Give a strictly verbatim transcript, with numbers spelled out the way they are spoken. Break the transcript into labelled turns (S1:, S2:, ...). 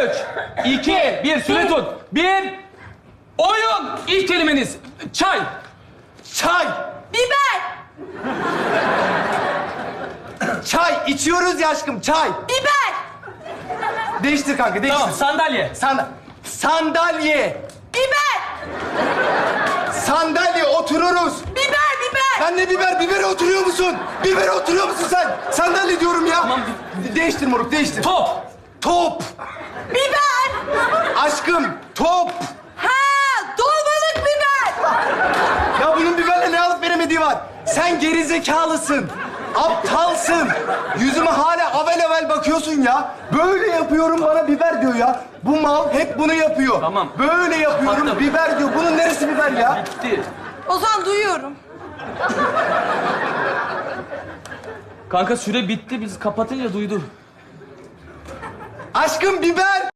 S1: Üç, iki, bir. Süre tut. Bir. Oyun. İlk kelimeniz. Çay.
S2: Çay.
S3: Biber.
S2: Çay. İçiyoruz ya aşkım, çay.
S3: Biber.
S2: Değiştir kanka, değiştir.
S1: Tamam, sandalye.
S2: San sandalye.
S3: Biber.
S2: Sandalye, otururuz.
S3: Biber, biber.
S2: Sen ne biber? Bibere oturuyor musun? Bibere oturuyor musun sen? Sandalye diyorum ya.
S1: Tamam.
S2: De- değiştir moruk, değiştir.
S1: Top.
S2: Top.
S3: Biber.
S2: Aşkım, top.
S3: Ha, dolmalık biber.
S2: Ya bunun biberle ne alıp veremediği var. Sen gerizekalısın. Aptalsın. Yüzüme hala avel avel bakıyorsun ya. Böyle yapıyorum, bana biber diyor ya. Bu mal hep bunu yapıyor.
S1: Tamam.
S2: Böyle yapıyorum,
S1: Kapattım.
S2: biber diyor. Bunun neresi biber ya?
S1: Bitti.
S3: Ozan duyuyorum.
S1: Kanka süre bitti. Biz kapatınca duydu.
S2: Aşkım, biber.